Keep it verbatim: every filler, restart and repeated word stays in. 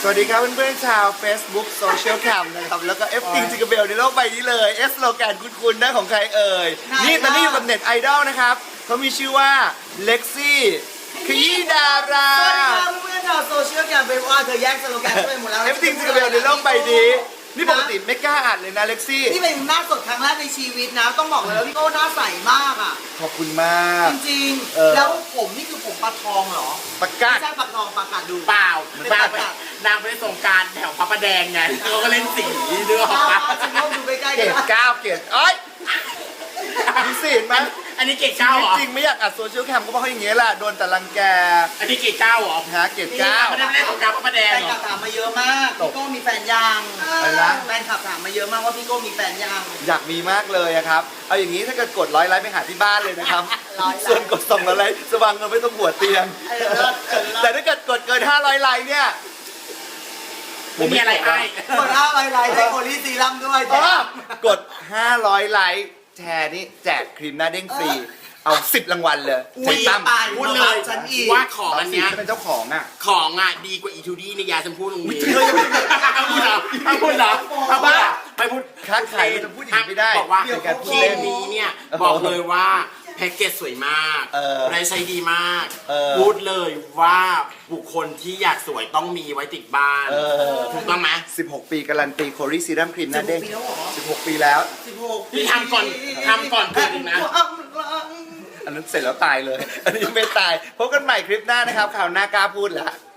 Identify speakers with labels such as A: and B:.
A: สวัสดีครับเพื่อนๆชาว Facebook Social Cam นะครับแล้วก็ F จริงจิกเบลในโลกใบนี้เลย S โลแกนคุ้นๆนะของใครเอ่ยนี่ตอนนี้อยู่กับเน็ตไอดอลนะครับเขามีชื่อว่าเล็กซี่ขยี้ดารา
B: สวัสดีครับเพื่อนๆชาวโซเชียลแคมเปญว่าเธอแย่งสโลแกนไปหมดแล้ว
A: F จริงจิกเบลในโลกใบนี้นี่ปกติไม่กล้าอ่านเลยนะเล็กซี่
B: นี่เป็นหน้าสดครั้งแรกในชีวิตนะต้องบอกเลยว่าพี่โก้หน้าใสมากอ่ะ
A: ขอบคุณมาก
B: จริง
A: เออ
B: ๆแล้วผมนี่คือผมปลาทองเหรอ
A: ประกาศ
B: ไม่ใช่ปลาทองปลากาดดู
C: เปล่า
B: เป็น
C: นาง
B: ป
C: ไป
B: ลากาด
C: นางไปสงกรารแถวพระประแดงไงเขาก็เล่นสีเนื้อออก
B: อ้า
C: มา
B: วฉันก็ดูใกล้ๆ
A: เกร
B: กัน
A: ดเก้าเกรดเอ้ยดูสิเห็นไหม
C: อันนี้เกรดเก้าเหรอ
A: จริงไม่อยากอัดโซเชียลแคมก็เพราะอย่างเงี้ยแหละโดนแต่รังแก
C: อันนี้เกรดเก้าเหรอ
A: หาเกรดเก้า
C: ไม่ได้เล่นสงกรารพระประแดง
B: แฟน
C: เหร
B: คลั
C: อบ
B: ถามมาเยอะมากพี่โก้มีแฟนยัง
A: อะไรนะ
B: แฟนคลับถามมาเยอะมากว่าพี่โก้มีแฟนยัง
A: อยากมีมากเลยอะครับ เอาอย่างนี้ถ้าเกิดกดร้อยไลค์ไปหาที่บ้านเลยนะครับ
B: ร้อยไลค์
A: ส่วนกดสองร้อยไลค์สว่างเงินไม่ต้องหัวเตียง
B: เออเลิศเออเลิศ
A: แต่ถ้าเกิดกดเกินห้าร้อยไลค์เนี่ย
C: ไม่มีอะไรให้
B: กดห้าไลน์ไลน์ได้โคลีซีรัมด้วย
A: เออกดห้าร้อยไลค์แชร์นี่แจกครีมหน้าเด้งฟรี เอาสิบรางวัลเลย
B: อุ้
A: ใช้
B: ย
A: ตั้ม
B: ตาย
C: พูดเลย
B: ฉันอีก
C: ว่าของ
A: เรา
C: อัน
A: สิ
C: เนี้ย
A: จะเป็นเจ้าของอ่ะ
C: ของอ่ะดีกว่าอีทูดี้ในยาชมพูตรงนี้เอาพูดเหรอเอาพูดเหรอเอาพูดเหรอไปพูด
A: ค้าขายมันจะพูดอย่างนี้ไม่ได้
C: บอกว่า
A: เป็นการพู
C: เค
A: ดเล่น
C: นี้เนี่ยบอกเลยว่าแพ็กเกจสวยมาก
A: เออ
C: รายใช้ดีมาก
A: เออ
C: พูดเลยว่าบุคคลที่อยากสวยต้องมีไว้ติดบ้าน
A: เออ
C: ถูกต้องไหม
A: สิบหกปีการันตีโคลีซีรัมครีมหน้าเด้ง
B: สิบหกปีแล้วเหรอ
A: สิบหกปีแล้ว
B: สิบหก
C: นี่ทำก่อนทำก่อนเกิดอีกนะ
B: ความรัก
A: อันนั้นเสร็จแล้วตายเลย อันนี้ยังไม่ตาย พบกันใหม่คลิปหน้านะครับ ข่าวหน้ากล้าพูดแล้ว